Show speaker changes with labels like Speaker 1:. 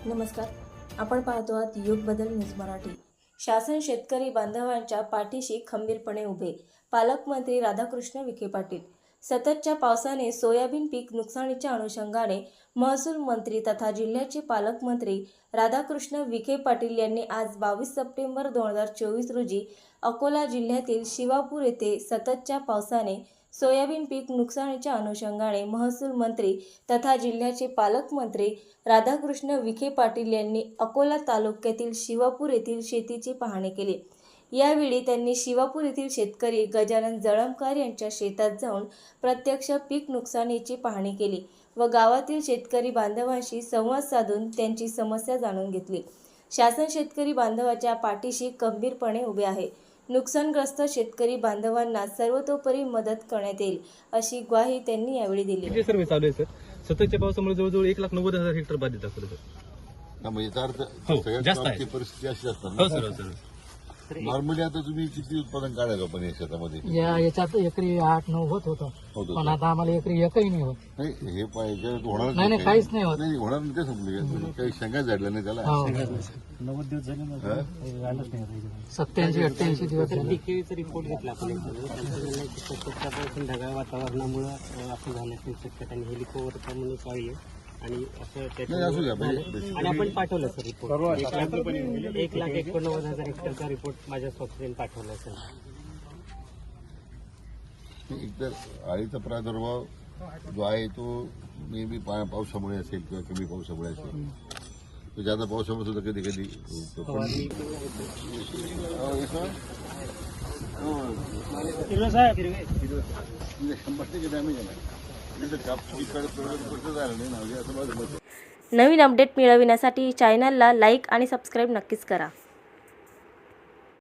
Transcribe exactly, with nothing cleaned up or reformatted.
Speaker 1: नमस्कार, आपण पाहतो आहात युग बदल न्यूज मराठी। शासन शेतकरी बांधवांच्या पाठीशी खंबीरपणे उभे। पालकमंत्री राधाकृष्ण विखे पाटील। सततच्या पावसाने सोयाबीन पीक नुकसानीच्या अनुषंगाने महसूल मंत्री तथा जिल्ह्याचे पालकमंत्री राधाकृष्ण विखे पाटील यांनी आज बावीस सप्टेंबर दोन हजार चोवीस रोजी अकोला जिल्ह्यातील शिवापूर येथे सततच्या पावसाने सोयाबीन पीक नुकसानीच्या अनुषंगाने महसूल मंत्री तथा जिल्ह्याचे पालकमंत्री राधाकृष्ण विखे पाटील यांनी अकोला तालुक्यातील शिवापूर येथील शेतीची पाहणी केली। यावेळी त्यांनी शिवापूर येथील शेतकरी गजानन जळमकर यांच्या शेतात जाऊन प्रत्यक्ष पीक नुकसानीची पाहणी केली व गावातील शेतकरी बांधवांशी संवाद साधून त्यांची समस्या जाणून घेतली। शासन शेतकरी बांधवाच्या पाठीशी खंबीरपणे उभे आहे। नुकसानग्रस्त शेतकरी बांधवांना सर्वतोपरी मदत करण्यात येईल अशी ग्वाही त्यांनी यावेळी दिली।
Speaker 2: किती सर्वे चालू आहे सर? सततच्या पावसामुळे जवळजवळ एक लाख नव्वद हजार हेक्टर बाधित आहे सर।
Speaker 3: म्हणजे याचा अर्थ
Speaker 2: हो,
Speaker 3: सगळ्यात
Speaker 2: जास्त
Speaker 3: गावाची
Speaker 2: आहे।
Speaker 3: परिस्थिती अशी असतात
Speaker 2: हो सर, हो सर।
Speaker 3: नॉर्मली आता तुम्ही किती उत्पादन काढायचं पण या शेतामध्ये?
Speaker 4: या याच्यात एकरी आठ नऊ होत होतं,
Speaker 3: होत
Speaker 4: पण आता आम्हाला एकरी एकही नाही होत।
Speaker 3: नाही हे पाहिजे होणार
Speaker 4: नाही नाही काहीच नाही होत।
Speaker 3: नाही होणार नाही ते समजले काही शंका झाडल्या नाही त्याला।
Speaker 4: हो.
Speaker 5: नव्वद दिवस झाले ना, झालंच नाही।
Speaker 4: सत्याऐंशी अठ्ठ्याऐंशी दिवस झाले।
Speaker 5: केळीचा रिपोर्ट घेतला आपण संध्याकाळ ढगाळ वातावरणामुळे असं झाल्याची शक्यता आणि हेलिकॉप्टरमुळे पाहिजे आणि असं
Speaker 3: नाही असू द्या
Speaker 5: त्याच्यामुळे
Speaker 3: म्हणजे
Speaker 5: आणि आपण पाठवलं सर रिपोर्ट एक लाख एक लाख एकोणनव्वद हजार हेक्टरचा रिपोर्ट माझ्या स्वतःने पाठवला सर।
Speaker 3: एकतर अळीचा प्रादुर्भाव जो आहे तो नेहमी पावसामुळे असेल किंवा कमी पावसामुळे असेल, तो जादा पावसामुळे सुद्धा कधी कधी शंभर टक्के डॅमेज आहे।
Speaker 1: नवीन अपडेट मिळविण्यासाठी चॅनलला लाईक आणि सबस्क्राईब नक्कीच करा।